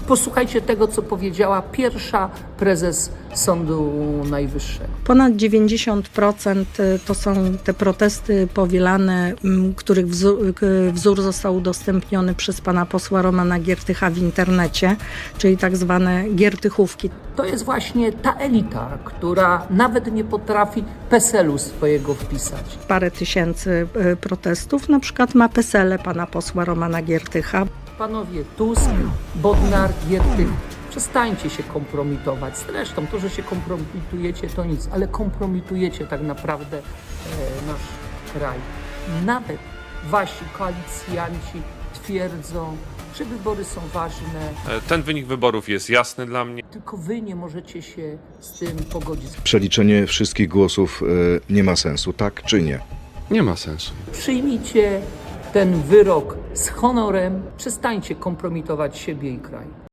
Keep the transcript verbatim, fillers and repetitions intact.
Posłuchajcie tego, co powiedziała pierwsza prezes Sądu Najwyższego. Ponad dziewięćdziesiąt procent to są te protesty powielane, m, których wzór, wzór został udostępniony przez pana posła Romana Giertycha w internecie, czyli tak zwane giertychówki. To jest właśnie ta elita, która nawet nie potrafi PESEL-u swojego wpisać. Parę tysięcy e, protestów, na przykład ma PESEL-e pana posła Romana Giertycha. Panowie Tusk, Bodnar, Giertych, przestańcie się kompromitować. Zresztą to, że się kompromitujecie, to nic, ale kompromitujecie tak naprawdę e, nasz kraj. Nawet wasi koalicjanci twierdzą, że wybory są ważne, Ten wynik wyborów jest jasny dla mnie. tylko wy nie możecie się z tym pogodzić. Przeliczenie wszystkich głosów e, nie ma sensu, tak czy nie? Nie ma sensu. Przyjmijcie ten wyrok z honorem, przestańcie kompromitować siebie i kraj.